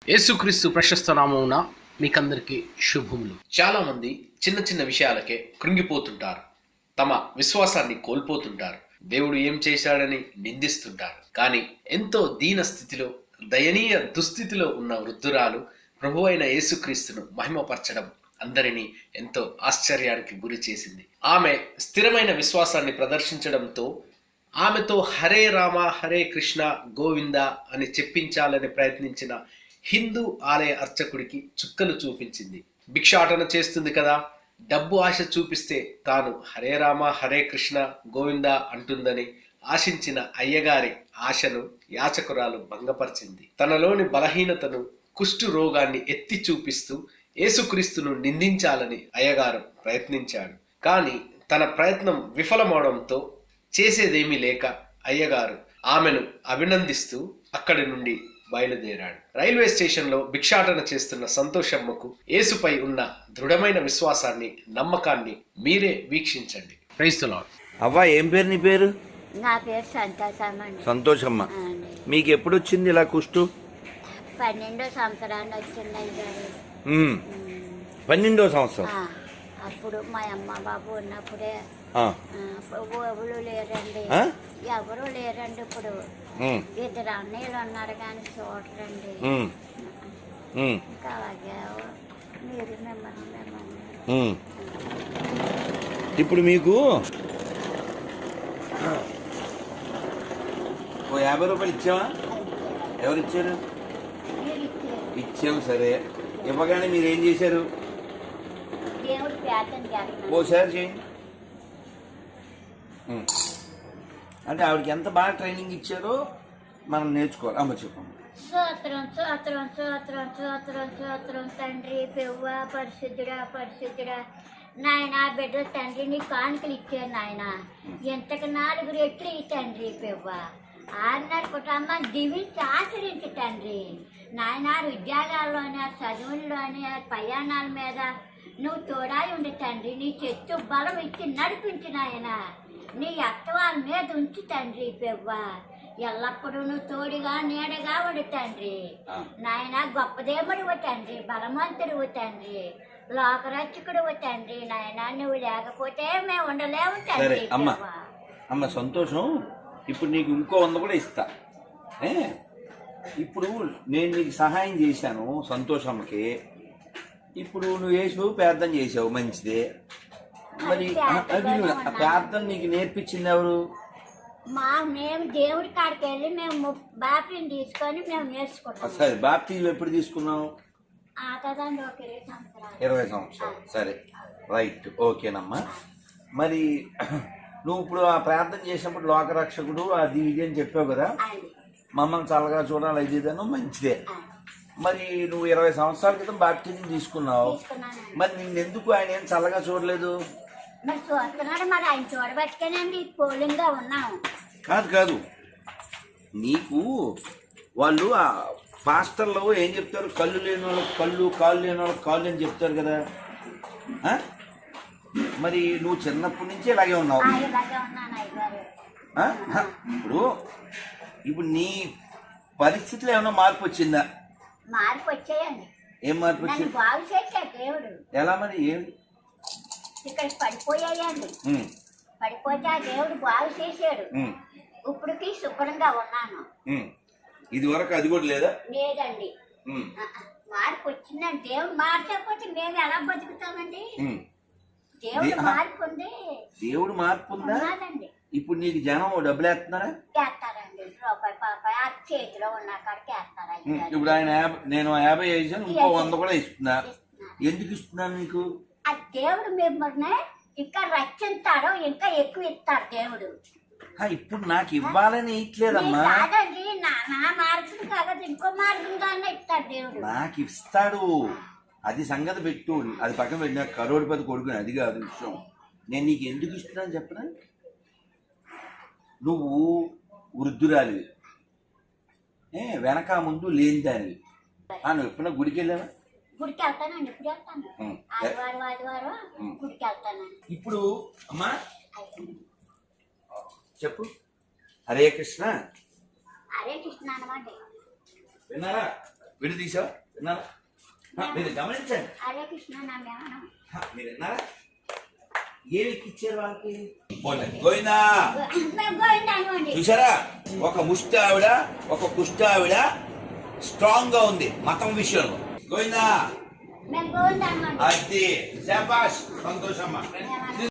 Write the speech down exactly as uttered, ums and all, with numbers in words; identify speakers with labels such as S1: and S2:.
S1: యేసుక్రీస్తు ప్రశస్త నామమున మీకందరికీ శుభములు. చాలా మంది చిన్న చిన్న విషయాలకే కృంగిపోతుంటారు, తమ విశ్వాసాన్ని కోల్పోతుంటారు, దేవుడు ఏం చేశాడని నిందిస్తుంటారు. కానీ ఎంతో దీన స్థితిలో, దయనీయ దుస్థితిలో ఉన్న వృద్ధురాలు ప్రభువైన యేసుక్రీస్తును మహిమపరచడం అందరినీ ఎంతో ఆశ్చర్యానికి గురి చేసింది. ఆమె స్థిరమైన విశ్వాసాన్ని ప్రదర్శించడంతో ఆమెతో హరే రామ హరే కృష్ణ గోవింద అని చెప్పించాలని ప్రయత్నించిన హిందూ ఆలయ అర్చకుడికి చుక్కలు చూపించింది. భిక్షాటన చేస్తుంది కదా, డబ్బు ఆశ చూపిస్తే తాను హరే రామ హరే కృష్ణ గోవింద అంటుందని ఆశించిన అయ్యగారి ఆశను యాచకురాలు భంగపరిచింది. తనలోని బలహీనతను, కుష్టు రోగాన్ని ఎత్తి చూపిస్తూ యేసుక్రీస్తును నిందించాలని అయ్యగారు ప్రయత్నించాడు. కానీ తన ప్రయత్నం విఫలమవడంతో చేసేదేమీ లేక అయ్యగారు ఆమెను అభినందిస్తూ అక్కడి నుండి బయలుదేరాడు. రైల్వే స్టేషన్ లో భిక్షాటన చేస్తున్న సంతోషమ్మకు యేసుపై ఉన్న దృఢమైన విశ్వాసాన్ని, నమ్మకాన్ని మీరే వీక్షించండి. Praise the lord.
S2: అవ్వ, ఏం పేరు నీ పేరు?
S3: నా పేరు సంతోషమ్మ.
S2: సంతోషమ్మ. మీకు ఎప్పుడు వచ్చింది ఇలా కుష్టు?
S3: పన్నెండో సంవత్సరాన్ని వచ్చింది.
S2: పన్నెండో సంవత్సరం
S3: అప్పుడు మా అమ్మ బాబు ఉన్నప్పుడే. ఎవరు లేరండి, ఎవరు లేరండి. ఇప్పుడు ఇద్దరు అన్నయ్యలు ఉన్నారు కానీ చూడరండి. ఇంకా అలాగే మీరు మిమ్మల్ని మిమ్మల్ని
S2: ఇప్పుడు మీకు ఓ యాభై రూపాయలు ఇచ్చావా? ఎవరు ఇచ్చారు? ఇచ్చాము. సరే, ఇవ్వగానే మీరు ఏం చేశారు? ఓసారి చేయండి. అంటే ఆవిడకి ఎంత బాగా ట్రైనింగ్ ఇచ్చారో మనం నేర్చుకోవాలి. అమ్మ చెప్పండి.
S3: స్తోత్రం స్తోత్రం స్తోత్రం స్తోత్రం స్తోత్రం తండ్రి పెవ్వ పరిశుద్ధుడా పరిశుద్ధుడా నాయన బిడ్డ తండ్రి నీ కానుకలు ఇచ్చారు నాయన. ఎంతకు నాలుగు రెట్లు ఈ తండ్రి పెవ్వ ఆరున్నర కుటుంబం దీవించి ఆచరించి తండ్రి నాయన. ఉద్యోగాల్లోని చదువుల్లోని ప్రయాణాల మీద నువ్వు తోడాయి ఉండి తండ్రి. నీ చెట్టు బలం ఇచ్చి నడిపించి నాయన. నీ అత్తవాళ్ళ మీద ఉంచి తండ్రి పెవ్వ ఎల్లప్పుడూ నువ్వు తోడుగా నీడగా ఉండి తండ్రి నాయన. గొప్పదేవుడివు తండ్రి, బలవంతుడివు తండ్రి, లోకరక్షకుడివు తండ్రి నాయన. నువ్వు లేకపోతే మేము ఉండలేము తండ్రి.
S2: అమ్మ అమ్మ సంతోషం. ఇప్పుడు నీకు ఇంకో వంద కూడా ఇస్తా. ఇప్పుడు నేను నీకు సహాయం చేశాను సంతోషమ్మకి. ఇప్పుడు నువ్వు వేసావు, ప్రార్థన చేసావు, మంచిదే. మరి ప్రార్థన నీకు నేర్పించింది ఎవరు?
S3: మా మేము దేవుడి కాడికి వెళ్ళి మేము బాప్తిజం తీసుకొని మేము నేర్చుకుంటాం.
S2: సరే, బాప్తిజం ఎప్పుడు తీసుకున్నావు? ఇరవై సంవత్సరాలు. సరే, రైట్, ఓకేనమ్మా. మరి నువ్వు ఇప్పుడు ఆ ప్రార్థన చేసినప్పుడు లోకరక్షకుడు అది ఇది అని చెప్పావు కదా, మమ్మల్ని చల్లగా చూడాలి, అది ఇదను మంచిదే. మరి నువ్వు ఇరవై సంవత్సరాల క్రితం బాప్తిజం తీసుకున్నావు, మరి నిన్నెందుకు ఆయన ఏం చల్లగా చూడలేదు?
S3: మరి చూస్తున్నాడు, మరి ఆయన చూడబట్టుకేనండి పోలింగ్గా ఉన్నాము.
S2: కాదు కాదు, నీకు వాళ్ళు ఆ పాస్టర్లో ఏం చెప్తారు? కళ్ళు లేని వాళ్ళకి కళ్ళు, కాళ్ళు లేని వాళ్ళకి కాళ్ళు అని చెప్తారు కదా. మరి నువ్వు చిన్నప్పటి నుంచి ఇలాగే ఉన్నావు. ఇప్పుడు ఇప్పుడు నీ పరిస్థితిలో ఏమైనా మార్పు వచ్చిందా?
S3: మార్పు వచ్చాయండి.
S2: ఏం మార్పు వచ్చింది?
S3: బాగు చేశాడు దేవుడు.
S2: ఎలా మరి? ఏం
S3: ఇక్కడ పడిపోయాయండి, పడిపోతే ఆ దేవుడు బాగు చేశాడు. ఇప్పటికి శుభ్రంగా ఉన్నాను.
S2: ఇది వరకు అది కూడా లేదా?
S3: లేదండి. మార్పు వచ్చిందండి. దేవుడు మార్చకపోతే మేము ఎలా బతుకుతామండి? దేవుడు మార్పు ఉంది.
S2: దేవుడు మార్పు ఉందా? ఇప్పుడు నీకు జనం డబ్బులు వేస్తున్నారా?
S3: వేస్తారండి, రూపాయి పాపాయి ఆ చేతిలో ఉన్న కాడికి వేస్తారా.
S2: ఇప్పుడు ఆయన నేను యాభై వేసాను, ఇంకో వంద కూడా ఇస్తున్నా. ఎందుకు ఇస్తున్నాను నీకు?
S3: ఆ దేవుడు మిమ్మల్ని ఇంకా రక్షిస్తాడు, ఇంకా ఎక్కువ ఇస్తాడు దేవుడు.
S2: ఇప్పుడు నాకు ఇవ్వాలని ఇట్లేదమ్మా.
S3: కాదండి, నా మార్గం కాదు, ఇంకో మార్గంగానే ఇస్తాడు దేవుడు.
S2: నాకు ఇస్తాడు, అది సంగతి పెట్టు. అది పక్కన పెట్టిన కరోడిపతి కొడుకుని, అది కాదు విషయం. నేను నీకు ఎందుకు ఇస్తున్నాను చెప్పనా? నువ్వు వృద్ధురాలివి, ఏ వెనక ముందు లేని దానివి. నువ్వు ఎప్పుడన్నా గుడికి వెళ్ళావా?
S3: గుడికి వెళ్తానండి, ఇప్పుడు వెళ్తాను. ఆదివారం ఆదివారం గుడికి వెళ్తానండి.
S2: ఇప్పుడు అమ్మా చెప్పు. హరే కృష్ణ.
S3: హరే కృష్ణ అనమాట.
S2: విన్నారా? విడదీసావా విన్నారా ఆ, మీరు గమనించండి
S3: హరే కృష్ణ నా జ్ఞానం
S2: ఆ, మీరు విన్నారా ఏమి ఎక్కిచ్చారు వాళ్ళకి పోనీ, గోవిందా
S3: మేము గోవిందాను అండి
S2: చూసారా ఒక ముష్టి ఆవిడ ఒక కుష్టి ఆవిడ స్ట్రాంగ్ గా ఉంది మతం విషయంలో గోవిందా
S3: మేము గోవిందాను అండి
S2: అది శాబాష్ సంతోషమ్మా